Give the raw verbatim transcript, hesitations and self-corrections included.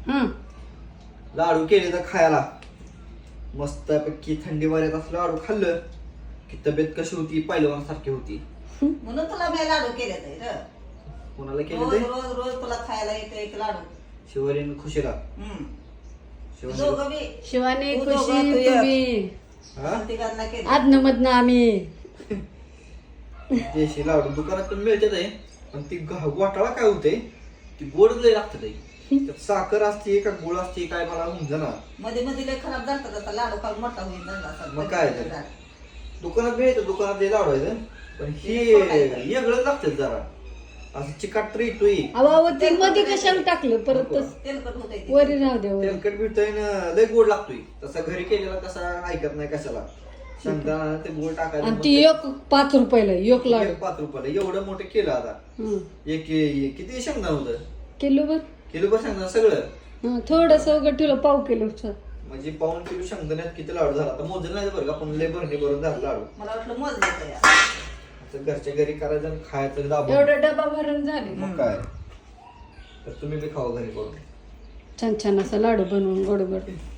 हं. लाडू केले तर खायला मस्तपैकी थंडी वाऱ्यात असं लाडू खाल्लं की तब्येत कशी होती पहिलवान सारखी होती. म्हणून तुला मी लाडू केले तर कोणाला केले रोज ते रोज रोज तुला खायला येतो एक लाडू. शिवरीन खुशीला. हम्म. शिवानी दोघं बी शिवानी तू खुशी दोघं, तू एक. तुम्ही हा तिघांना केलं. आदन मधनं आम्ही देशी लाडू दुकानात पण मिळतात आहे पण ती ग- घोटाळा काय होते ती गोड लय लागते त्यात साखर असते का गुळ असते काय मला समजना. मध्ये मध्ये लय खराब झालं आता लाडू खाऊन मोठा होईल झाला असा. मग काय ते? दुकानात मिळतं दुकानात ते लाडू आहे पण हे वेगळं लागतं जरा असं चिकाट तर येतोय. अवा ते मध्ये कशाला टाकलं परत तस तेलकट होतंय ते. वरी राहू द्या वरी. तेलकट भेटतोय ना लय गोड लागतोय तसा घरी केलेला कसा ऐकत नाही कशाला शेंगदाणा ते गोड टाकायचं आणि मग ती ते- एक पाच रुपयाला एक लाडू एक पाच रुपयाला एवढं मोठं केलं आता. हं. एक एक- किती शेंगदाणा होतं किलो बर किलो भर शेंगदाणा सगळं हं, थोडस उघड ठेवलं पाव किलो म्हणजे पाऊन किलो शेंगदाण्यात किती लाडू झाला आता मोजलं नाही बरं का पण लय भरणी भरून झाला लाडू. मला वाटलं मोजलं या. आता घरच्या घरी करायचं आणि खायचं दाबून. एवढा डबा भरून झाले मग काय तर तुम्ही बी खावा घरी करून. छान छान असा लाडू बनवून गोड गोड